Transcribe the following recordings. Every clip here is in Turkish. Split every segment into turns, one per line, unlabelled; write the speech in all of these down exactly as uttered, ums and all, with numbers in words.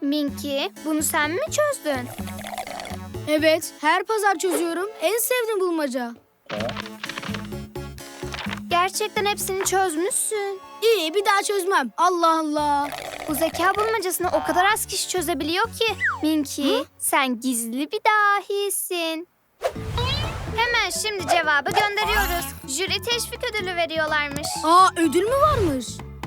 Minky, bunu sen mi çözdün?
Evet, her pazar çözüyorum. En sevdiğim bulmaca.
Gerçekten hepsini çözmüşsün.
İyi, bir daha çözmem. Allah Allah.
Bu zeka bulmacasını o kadar az kişi çözebiliyor ki. Minky, sen gizli bir dahisin. Hemen şimdi cevabı gönderiyoruz. Jüri teşvik ödülü veriyorlarmış.
Aa, ödül mü varmış?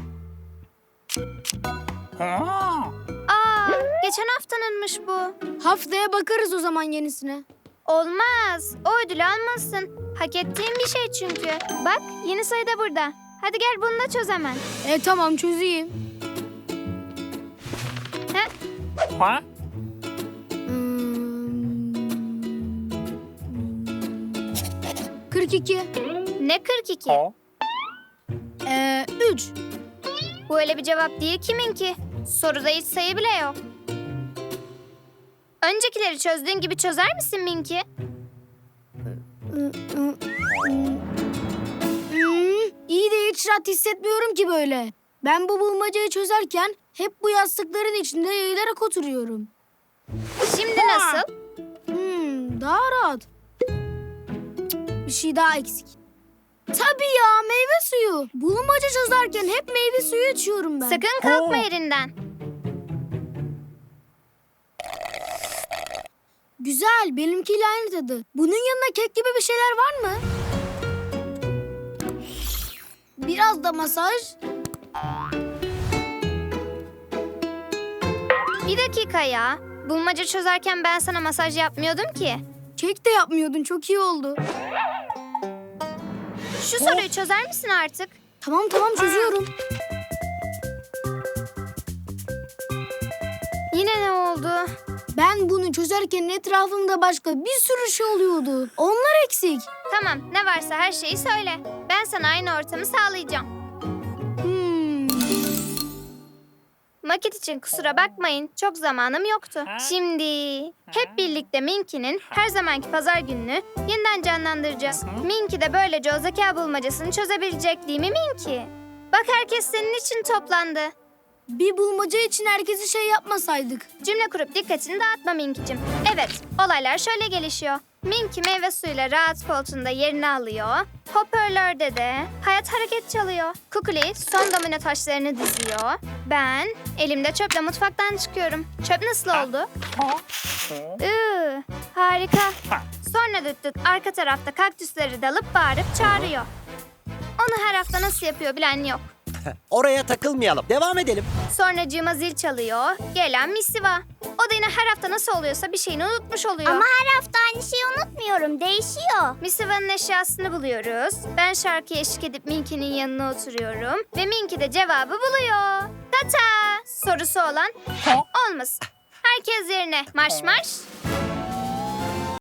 Aa, geçen haftanınmış bu.
Haftaya bakarız o zaman yenisine.
Olmaz. O ödülü almalısın. Hak ettiğin bir şey çünkü. Bak, yeni sayı da burada. Hadi gel bunu da çöz hemen.
E tamam, çözeyim.
He?
Hmm. kırk iki.
Ne kırk iki?
Ee, üç.
Bu öyle bir cevap değil kiminki. Soruda hiç sayı bile yok. Öncekileri çözdüğün gibi çözer misin Minky?
Hmm, iyi de hiç rahat hissetmiyorum ki böyle. Ben bu bulmacayı çözerken hep bu yastıkların içinde yayılarak oturuyorum.
Şimdi nasıl?
Hmm, daha rahat. Cık, bir şey daha eksik. Tabii ya, meyve suyu. Bulmaca çözerken hep meyve suyu içiyorum ben.
Sakın kalkma yerinden.
Güzel, benimkiyle aynı tadı. Bunun yanına kek gibi bir şeyler var mı? Biraz da masaj.
Bir dakika ya. Bulmaca çözerken ben sana masaj yapmıyordum ki.
Kek de yapmıyordun, çok iyi oldu.
Şu soruyu çözer misin artık?
Tamam tamam, çözüyorum.
Yine ne oldu?
Ben bunu çözerken etrafımda başka bir sürü şey oluyordu. Onlar eksik.
Tamam, ne varsa her şeyi söyle. Ben sana aynı ortamı sağlayacağım.
Hmm.
Maket için kusura bakmayın, çok zamanım yoktu. Şimdi hep birlikte Minky'nin her zamanki pazar gününü yeniden canlandıracağız. Minky de böylece o zeka bulmacasını çözebilecek, değil mi Minky? Bak, herkes senin için toplandı.
Bir bulmaca için herkese şey yapmasaydık.
Cümle kurup dikkatini dağıtma Minky'cim. Evet, olaylar şöyle gelişiyor. Minky meyve suyuyla rahat koltuğunda yerini alıyor. Hoparlörde de hayat hareket çalıyor. Kukuli son domino taşlarını diziyor. Ben elimde çöple mutfaktan çıkıyorum. Çöp nasıl oldu? Iı, harika. Sonra düt düt arka tarafta kaktüsleri dalıp bağırıp çağırıyor. Onu her hafta nasıl yapıyor bilen yok.
Oraya takılmayalım. Devam edelim.
Sonra cıma zil çalıyor. Gelen misiva. O da yine her hafta nasıl oluyorsa bir şeyini unutmuş oluyor.
Ama her hafta aynı şeyi unutmuyorum. Değişiyor.
Misiva'nın eşyasını buluyoruz. Ben şarkıya eşlik edip Minky'nin yanına oturuyorum. Ve Minky de cevabı buluyor. Tata! Sorusu olan olmasın. Herkes yerine. Marş marş.